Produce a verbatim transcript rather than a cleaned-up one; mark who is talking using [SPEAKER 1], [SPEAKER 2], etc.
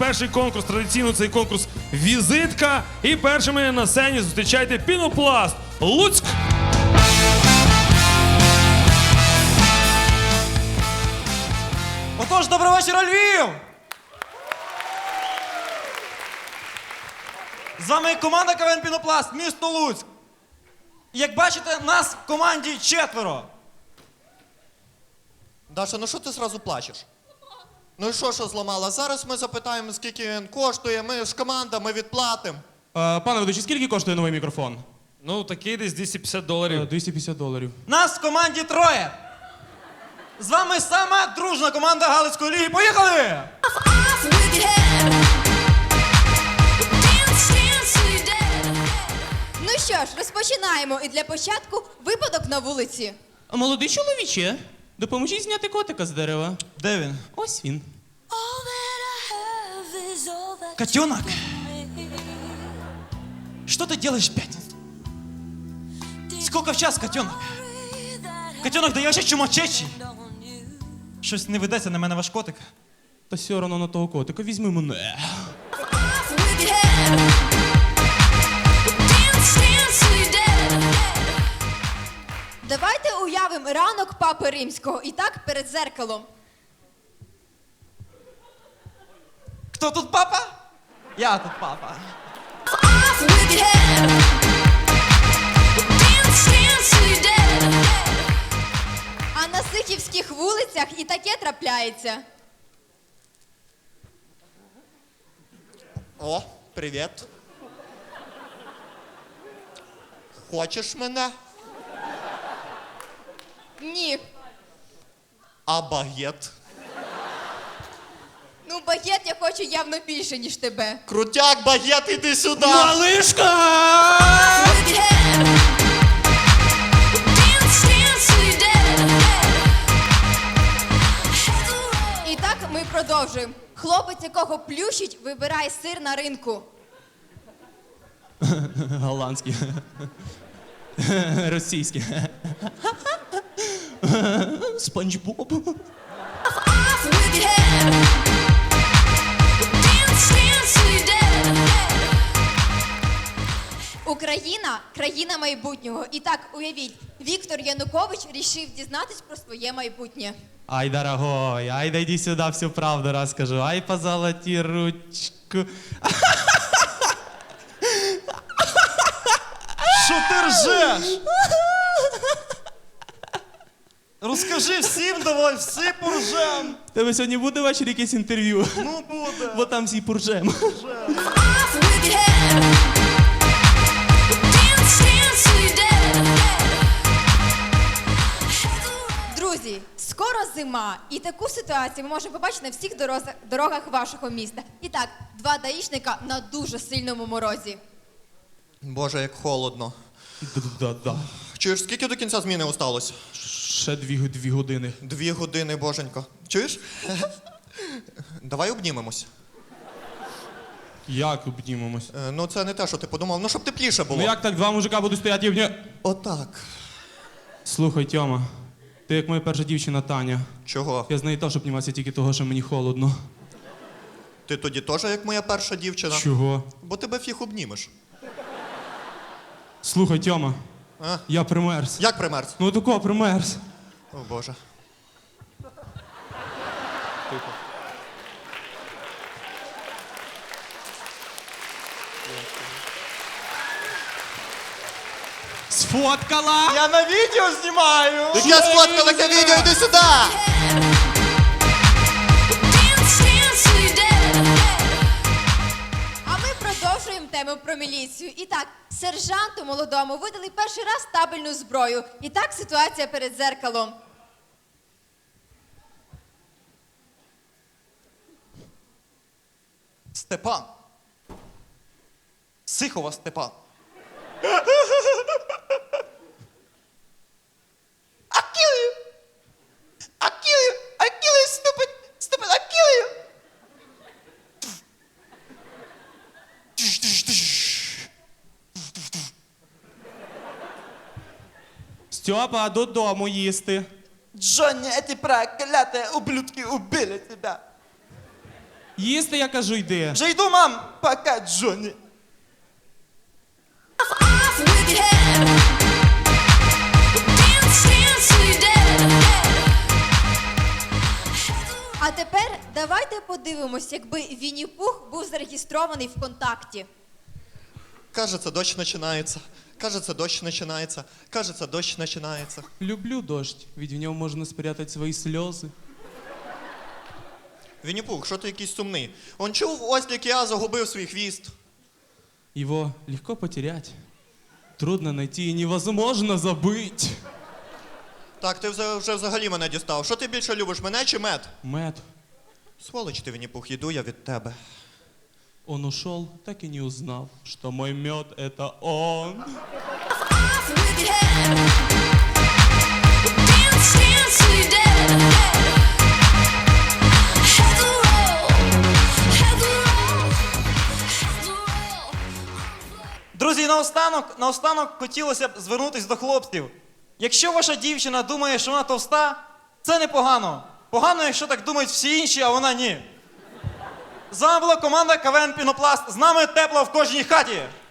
[SPEAKER 1] перший конкурс. Традиційно цей конкурс «Візитка». І першими на сцені зустрічайте Пінопласт Луцьк.
[SPEAKER 2] Отож, доброго вечора, Львів! З вами команда КВН «Пінопласт», місто Луцьк. Як бачите, нас в команді четверо.
[SPEAKER 3] Даша, ну що ти зразу плачеш? Ну і що, що зламала? Зараз ми запитаємо, скільки він коштує, ми ж команда, ми відплатимо.
[SPEAKER 4] Е, Пане ведучий, скільки коштує новий мікрофон?
[SPEAKER 1] Ну, такий десь двісті п'ятдесят доларів.
[SPEAKER 4] Е, двісті п'ятдесят доларів.
[SPEAKER 2] Нас в команді троє. З вами сама дружна команда Галицької ліги. Поїхали!
[SPEAKER 5] Ну що ж, розпочинаємо. І для початку випадок на вулиці.
[SPEAKER 4] Молодий чоловіче, допоможіть зняти котика з дерева.
[SPEAKER 2] Де він?
[SPEAKER 4] Ось він.
[SPEAKER 2] Котенок! Что ты делаешь в пятницу? Сколько в час, котенок? Котенок, да я вообще чумачечий. Щось не ведеться на мене ваш котик.
[SPEAKER 4] Та все одно на того котика, візьми мене.
[SPEAKER 5] Давайте уявимо ранок Папи Римського. І так, перед зеркалом.
[SPEAKER 2] Хто тут папа? Я тут папа.
[SPEAKER 5] А на сихівських вулицях і таке трапляється.
[SPEAKER 3] О, привіт. Хочеш мене?
[SPEAKER 5] Ні.
[SPEAKER 3] А багет?
[SPEAKER 5] Ну, багет я хочу явно більше, ніж тебе.
[SPEAKER 3] Крутяк, багет, іди сюди!
[SPEAKER 4] Малишка!
[SPEAKER 5] І так ми продовжуємо. Хлопець, якого плющить, вибирає сир на ринку.
[SPEAKER 4] Голландський. Російський. Спанч Боб.
[SPEAKER 5] Україна – країна майбутнього. І так, уявіть, Віктор Янукович рішив дізнатись про своє майбутнє.
[SPEAKER 4] Ай, дорогой, ай, да иди сюда, всю правду расскажу. Ай, позолоти ручку.
[SPEAKER 2] Що ти ржеш? Розкажи всім, давай, всі поржем.
[SPEAKER 4] Тебе сьогодні буде ввечері якесь інтерв'ю?
[SPEAKER 2] Ну буде.
[SPEAKER 4] Бо там всі поржем.
[SPEAKER 5] Друзі, скоро зима, і таку ситуацію ми можемо побачити на всіх дорозах, дорогах вашого міста. І так, два даїшника на дуже сильному морозі.
[SPEAKER 3] Боже, як холодно.
[SPEAKER 4] Да-да.
[SPEAKER 3] Чуєш, скільки до кінця зміни осталось?
[SPEAKER 4] Ще дві, дві години.
[SPEAKER 3] Дві години, боженько. Чуєш? Давай обнімемось.
[SPEAKER 4] Як обнімемось?
[SPEAKER 3] Е, ну це не те, що ти подумав. Ну, щоб тепліше було.
[SPEAKER 4] Ну як так, два мужика будуть стояти і обні...
[SPEAKER 3] Отак.
[SPEAKER 4] Слухай, Тьома, ти як моя перша дівчина Таня.
[SPEAKER 3] Чого?
[SPEAKER 4] Я з нею теж обнімався тільки того, що мені холодно.
[SPEAKER 3] Ти тоді теж як моя перша дівчина?
[SPEAKER 4] Чого?
[SPEAKER 3] Бо тебе фіг обнімеш.
[SPEAKER 4] Слухай, Тьома,
[SPEAKER 3] А?
[SPEAKER 4] я примерз.
[SPEAKER 3] Як примерз?
[SPEAKER 4] Ну такого примерз.
[SPEAKER 3] О, Боже. Тихо.
[SPEAKER 4] Сфоткала!
[SPEAKER 2] Я на відео знімаю.
[SPEAKER 3] Яке сфоткала таке відео, іди сюди!
[SPEAKER 5] А ми продовжуємо тему про міліцію. І так, сержанту молодому видали перший раз табельну зброю. І так ситуація перед зеркалом.
[SPEAKER 2] Степан. Сихова Степан. I kill you. I kill you. I kill you, stupid. Stupid, I kill you.
[SPEAKER 4] Стьопа, додому їсти.
[SPEAKER 2] Джонни, эти прокляты ублюдки убили тебя.
[SPEAKER 4] Їсти, я кажу, йди.
[SPEAKER 2] Вже йду, мам! Пока, Джонні.
[SPEAKER 6] Off with your head. Dance, dance till you're dead.
[SPEAKER 5] А тепер давайте подивимось, якби Вінні-Пух був зареєстрований ВКонтакті.
[SPEAKER 3] Кажется, дощ починається. Кажется, дощ починається. Кажется, дощ починається.
[SPEAKER 4] Люблю дождь, ведь в нем можно спрятать свои слезы.
[SPEAKER 3] Вінні-Пух, що ти якийсь сумний? Он чув, Ослік я загубив свій хвіст.
[SPEAKER 4] Его легко потерять, трудно найти и невозможно забыть.
[SPEAKER 3] Так, ти вже, вже взагалі мене дістав. Що ти більше любиш, мене чи мед?
[SPEAKER 4] Мэтт,
[SPEAKER 3] Сволоч ти, Вінні-Пух, йду я від тебе.
[SPEAKER 4] он ушел, так и не узнав, что мой мед это он.
[SPEAKER 6] Off with your head. Dance, dance till you're dead. Head to roll. Head to roll. Head to roll.
[SPEAKER 2] Друзі, наостанок, наостанок хотілося б звернутися до хлопців. Якщо ваша дівчина думає, що вона товста, це непогано. Погано, якщо так думають всі інші, а вона ні. З вами була команда КВН Пінопласт. З нами тепло в кожній хаті.